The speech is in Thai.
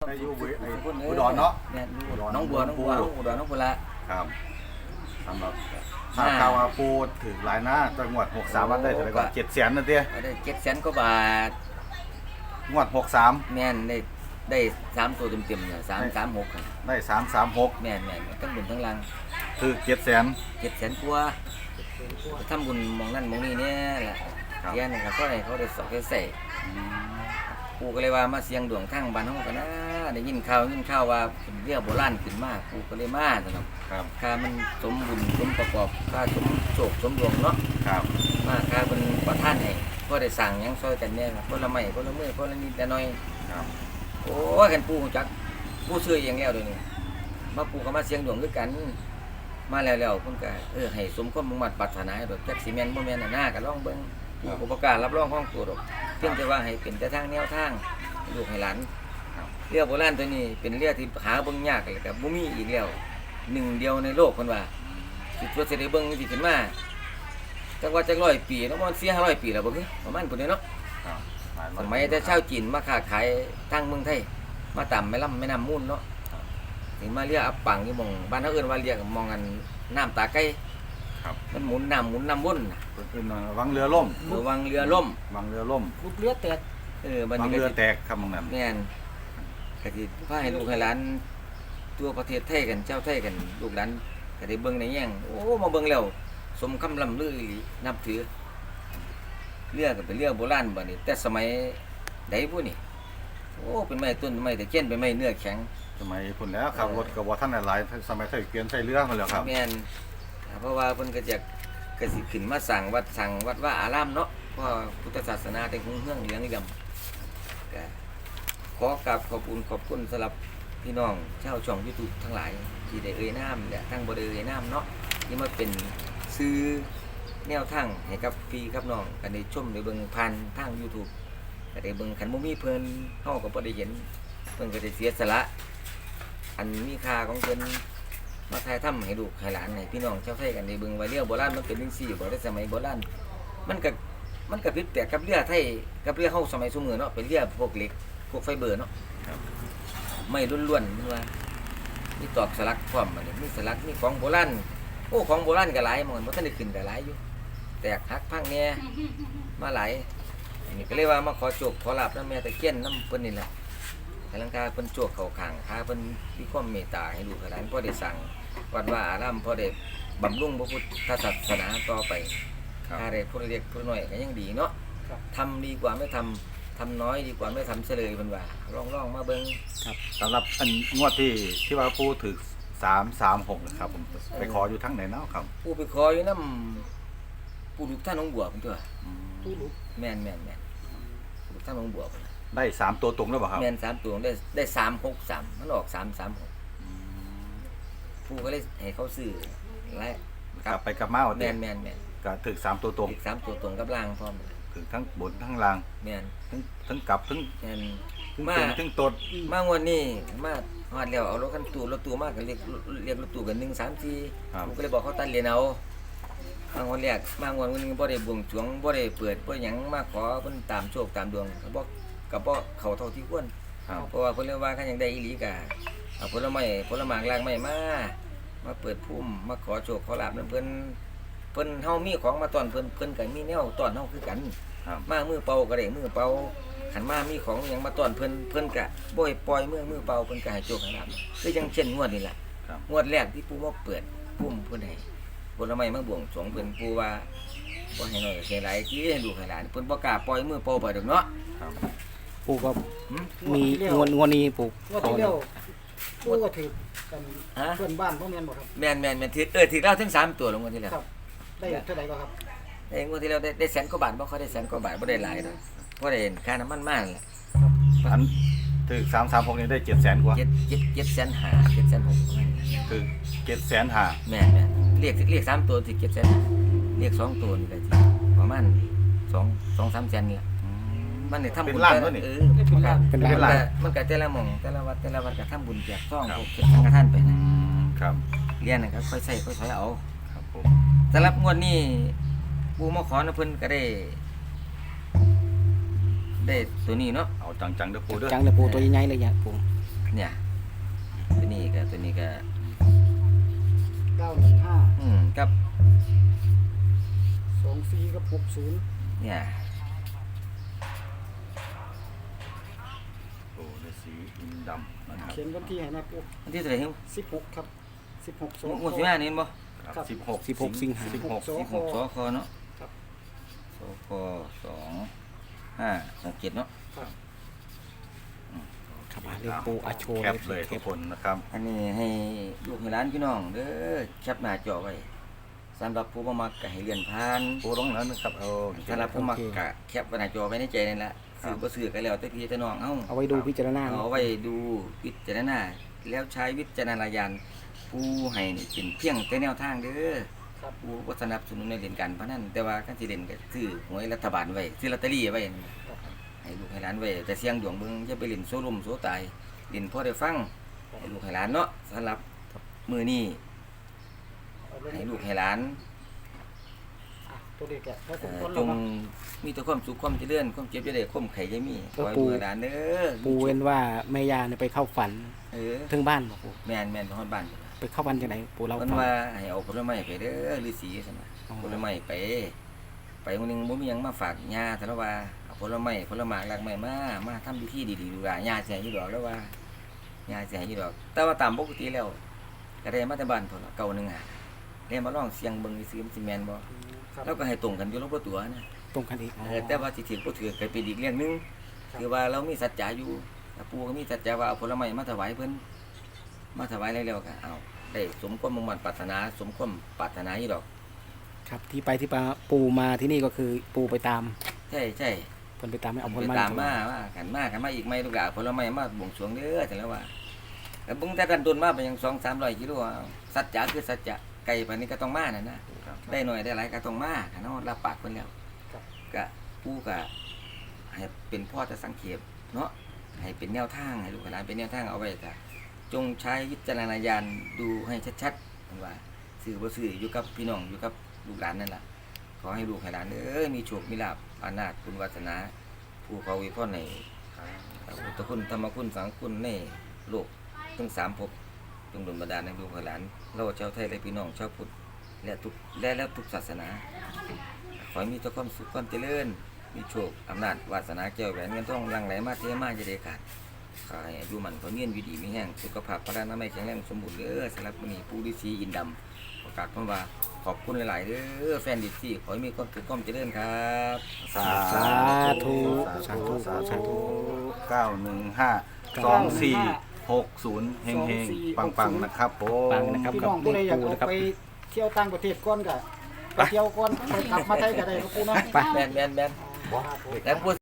ได้อยู่อุดรอุดรเนาะแม่นอุดรน้องบัวอุดรน้องบัวละครับสำหรับข่าวว่าปูถึงหลายหน้าจังหวัด63วัดได้เท่าไหร่ก่อน700,000นั่นเด้ได้700,000 กว่าบาทงวด63 แม่นได้3ตัวเต็มๆเนี่ย336ครับได้336 แม่นทั้งบุญทั้งลังถึง700,000 กว่าทำบุญมองนั่นมองนี่เนี่ยแหละเรียนนะครับก็ให้เขาได้สอบได้ใส่กูก็เลยว่ามาเสียงดวงทั้งบ้านเฮากันนะได้ยินข่าวว่าเป็นเรื่องโบราณขึ้นมากูก็เลยมานะครับค่ามันสมบุญสมประกอบค่าสมโชคสมดวงเนาะครับมาค่าเป็นประทานให้ก็ได้สั่งหยังซอยกันแน่คนละไม้คนละมือคนละนิดละหน่อยครับโอ้ยกันปูจักปูซื้ออย่างแล้วเดี๋ยวนี้มาปูก็มาเสียงดวงด้วยกันมาแล้วเพิ่นก็ให้สมความมุ่งมั่นปรารถนาดอกจักสิแม่นบ่แม่นหน้าก็ลองเบิ่งผู้ประกาศรับรองของตัวดอกเพียงแต่ว่าให้เป็นแต่ทางแนวทางลูกให้หลานเรือโบราณตัวนี้เป็นเรือที่หาเบิ่งยากเลยครับบ่มีอีกแล้วหนึ่งเดียวในโลกเพิ่นว่าสิตัวสิได้เบิ่งสิขึ้นมาจักว่าจัก100 ปีแล้วมัน400-500 ปีแล้วบ่คือประมาณพุ่นนี้เนาะสมัยแต่ชาวจีนมาค้าขายทางเมืองไทยมาตามแม่น้ำมูลเนาะถึงมาเรียกอับปังอยู่หม่องบ้านเฮาเอิ้นว่าเรียกมองกันน้ำตาไก่ครับมันหมุนน้ำวนเป็นวังเรือล่มวังเรือล่มลูกเรือแตกบัดนี้เรือแตกครับมองนั้นแม่นก็สิพาให้ลูกให้หลานทั่วประเทศไทยกันเจ้าไทยกันลูกหลานก็ได้เบิ่งในแย่งโอ้มาเบิ่งแล้วสมคำล่ำลือนับถือเรือก็เป็นเรือโบราณบัดนี้แต่สมัยใดพุนี่โอ้เป็นไม้ต้นไม้ตะเคียนเป็นไม้เนื้อแข็งสมัยพุ่นแล้วครับรถก็บ่ทันหลายสมัยไทยเกวียนไทยเรือมาแล้วครับแม่นเพราะว่าเพิ่นก็จะก็สิขึ้นมาสั่งวัดว่าอารามเนาะเพราะพุทธศาสนาได้รุ่งเรืองเหลืองเหลี่ยมก็ขอกราบขอบคุณสำหรับพี่น้องชาวช่อง YouTube ทั้งหลายที่ได้นามและทั้งบ่ได้นามเนาะที่มาเป็นซื้อแนวทางให้กับพี่กับน้องก็ได้ชมได้เบิ่งผ่านทาง YouTube ก็ได้เบิ่งคันบ่มีเพิ่นเฮาก็บ่ได้เห็นเพิ่นก็ได้เสียสละอันมีค่าของเพิ่นมาถ่ายทำให้ลูกให้หลานให้พี่น้องชาวไทยกันได้เบิ่งว่าเรือโบราณมันเป็นจังซี่บ่ได้สมัยโบราณมันก็ผิดแปลกกับเรือไทยกับเรือเฮาสมัยซุมื้อเนาะเป็นเรือพวกเหล็กพวกไฟเบอร์เนาะไม่ล้วนๆมันว่ามีตอกสลักพร้อมบัดนี้มีสลักมีของโบราณโอ้ของโบราณก็หลายหม่บ่ทันได้ขึ้นก็หลายอยู่แตกหักพังแหน่มาหลายนี่ก็เลยว่ามาขอโชคขอลาภนำแม่ตะเคียนนำเพิ่นนี่แหละให้ลังกาเพิ่นโชคเข้าข้างพาเพิ่นมีความเมตตาให้ลูกให้หลานพอได้สั่งวัดว่าอารามพอได้บำรุงพระพุทธศาสนาต่อไปถ้าได้ผู้เล็กผู้น้อยก็ยังดีเนาะทำดีกว่าไม่ทำน้อยดีกว่าไม่ทำเฉลยเพิ่นว่าลองมาเบิ่งครับสำหรับอันงวดที่ว่าปูถึก336นะครับผมไปขออยู่ทั้งไหนเนาะครับผู้ไปขออยู่นำปู่ลูกท่านน้องบัวเพิ่นตัวผู้ลูกแม่นปู่ลูกท่านน้องบัวเพิ่นได้3ตัวตรงแล้วบ่ครับแม่น3ตัวได้363มันออก336ผู้ก็เลยให้เขาซื้อและกลับไปกลับมาแม่นก็ถึก3ตัวตรงอีก3ตัวตรงกับล่างพร้อมถึงทั้งบนทั้งล่างแม่นทั้งกลับทั้งแม่นทั้งตดมางวดนี้มาฮอดแล้วเอารถตู้มาก็เรียกรถตู้กัน1 3 4ผมก็เลยบอกเขาตัดเหรียญเอามางวดแรกมางวดนึงบ่ได้บวงสรวงบ่ได้เปิดบ่หยังมาขอเพิ่นตามโชคตามดวงก็บ่เข้าเท่าที่ควรเพราะว่าเพิ่นเรียกว่าคันยังได้อีหลีก็เอาผลหมากลางไม้มาเปิดภูมิมาขอโชคขอลาภนำเพิ่นเฮามีของมาต้อนเพิ่นก็มีแนวต้อนเฮาคือกันมามือเป่าก็ได้มือเป่าขันมามีของหยังมาต้อนเพิ่นก็บ่ให้ปล่อยมือเป่าเพิ่นก็ให้โชคให้ลาภคือจังเช่นงวดนี่แหละงวดแรกที่ปู่มาเปิดภูมิเพิ่นให้ผลไม้มาบวงสรวงเพิ่นปู่ว่าบ่ให้น้อยก็ให้หลายที่ให้ลูกให้หลานเพิ่นบ่กล้าปล่อยมือเป่าไปดอกเนาะปู่ก็มีงวดนี้ปู่ก็ถือกันเพื่อนบ้านพ่อแม่นบ่ครับแม่นถือแล้วถึง3ตัวลงงวดที่แล้วครับได้เท่าใดก็ครับได้งวดที่แล้วได้แสนกว่าบาทบ่ค่อยได้แสนกว่าบาทบ่ได้หลายดอกบ่ได้ค่าน้ำมันมากแหละอันถึก336นี่ได้700,000กว่า 7,500 7,600 คือ750,000 แม่เรียก3ตัวสิ700,000เรียก2ตัวนี่ก็สิประมาณ2-3 แสนนี่ล่ะมันได้ทำบุญเป็นล้านมันก็แต่ละหม่องแต่ละวัดก็ทำบุญแจกซองพวกเก็บสังฆทานไปนะครับเรียนนะครับค่อยใช้ค่อยถอยเอาครับผมสำหรับงวดนี้ปู่มาขอนะเพิ่นก็ได้ตัวนี้เนาะเอาจังๆเด้อปู่เด้อจังเด้อปู่ตัวใหญ่ๆเลยอย่าปู่เนี่ยตัวนี้ก็ 915 กับ 24กับ60 เนี่ยโอ้ฤาษีอินดำนะครับเขียนวันที่ให้นะปูอันที่เท่าไหร่ครับ 16ครับ16สงวด15นี่เห็นบ่ครับ 16สิงหา 16 สค 16สคเนาะครับสค2567เนาะครับครับเลขปูอาโชว์แคปเลยทุกคนนะครับอันนี้ให้ลูกให้หลานพี่น้องเด้อแคปหน้าจอไว้สำหรับผู้บ่มักก็ให้เลื่อนผ่านปูลงแล้วนะครับเอาสำหรับผู้มักก็แคปไว้หน้าจอไว้ในใจนั่นแหละซื้อบ่ซื้อก็แล้วแต่พี่แต่น้องเฮาเอาไว้ดูพิจารณาเอาไว้ดูวิจารณาแล้วใช้วิจารณญาณผู้ให้นี่เป็นเพียงแต่แนวทางเด้อครับผู้บ่สนับสนุนในเล่นการพนันแต่ว่าการสิเล่นก็ซื้อหวยรัฐบาลไว้ซื้อลอตเตอรี่ไว้ให้ลูกให้หลานไว้แต่เสี่ยงดวงเบิ่งอย่าไปเล่นโซล่มโซตายเล่นพอได้ฟังให้ลูกให้หลานเนาะสำหรับมื้อนี้ให้ลูกให้หลานตัวเด็กอะถ้าผมคนจละงมามีแต่ความสุขความเจริญความเจ็บจะได้ความไข่จะมีขอให้ลูกให้หลานเด้อปูเว้นว่าแม่ยาเนี่ยไปเข้าฝันเออถึงบ้านบอกปูแม่นไปฮอดบ้านไปเข้าฝันจากไหนปูเราเพิ่นฟังว่าให้เอาผลไม้ไปเด้อฤาษีซั่นน่ะอ๋อผลไม้ไปมื้อนึงบ่มีหยังมาฝากย่าแต่ละว่าเอาผลไม้รากไม้มาทำพิธีดีๆดูว่าย่าสิให้อยู่ดอกแล้วว่าย่าสิให้อยู่ดอก แต่ว่าตามปกติแล้วก็ได้มาแต่บ้านพุ่นล่ะเก่าหนึงอ่ะได้มาลองเสียงเบิ่งซื่อๆมันสิแม่นบ่ครับแล้วก็ให้ตรงกันอยู่ลงบ่ตัวนะตรงกันอีกอ๋อแต่ว่าสิถือบ่ถือก็เป็นอีกเรื่องหนึงคือว่าเรามีสัจจะอยู่แต่ปู่ก็มีสัจจะว่าเอาผลไม้มาถวายเพิ่นมาถวายแล้วก็เอาได้สมความมุ่งมั่นปรารถนาสมความปรารถนาอยู่ดอกครับที่ไปที่ปูมาที่นี่ก็คือปูไปตามใช่ใช่เพิ่นไปตามไม่เอาผไปลไม้ตามมาว่ากันมาอีกไหมลูกหลานผลไม้มาบวงสรวงเด้อจังแล้วว่าแต่บุ้งแต่ดันตุนมาไปยัง200-300กิโลเอาสัจจะคือสัจจะไก่ปานนี้ก็ต้องมาน่ะนะได้หน่อยได้หลายก็ต้องมาคันเฮารับปากเพิ่นแล้วก็ผู้ก็ให้เป็นพ่อจะสังเกตเนาะให้เป็นแนวทางให้ลูกหลานเป็นแนวทางเอาไว้ก็จงใช้วิจารณญาณดูให้ชัดๆเพิ่นว่าซื้อบ่ซื้ออยู่กับพี่น้องอยู่กับลูกหลานนั่นล่ะ ขอให้ลูกให้หลานมีโชคมีลาภอานาถคุณวาสนาผู้เขาอวยพรในพุทธคุณธรรมคุณสังฆคุณในโลกทั้ง3ภพจงดลบันดาลให้ลูกให้หลานเราชาวไทยและพี่น้องชาวพุทธและทุกศาสนาขอให้มีแต่ความสุขความเจริญมีโชคอำนาจวาสนาแก้วแหวนเงินทองหลั่งไหลมาเทมาจะได้ขาดขอให้อายุมันขอเงียนอยู่ดีมีแห้งสุขภาพพลานามัยแข็งแรงสมบูรณ์สำหรับมื้อนี้ปู่ฤาษีอินดำประกาศคำว่าขอบคุณหลายๆเด้อแฟนดิซี่ขอให้มีความสุขความเจริญครับสาสาธุสาธุสาสาธุธุ9152460เฮงๆปังๆนะครับผมปังนะครับพี่กัน้บองเลผู้ใดขอยากปูเอานะครับไปเที่ยวต่างประเทศก่อนก็ไปเที่ยวก่อนไปกลับมาไทยก็ได้ครับปูเนาะไปแม่นครับผมแล้วพูด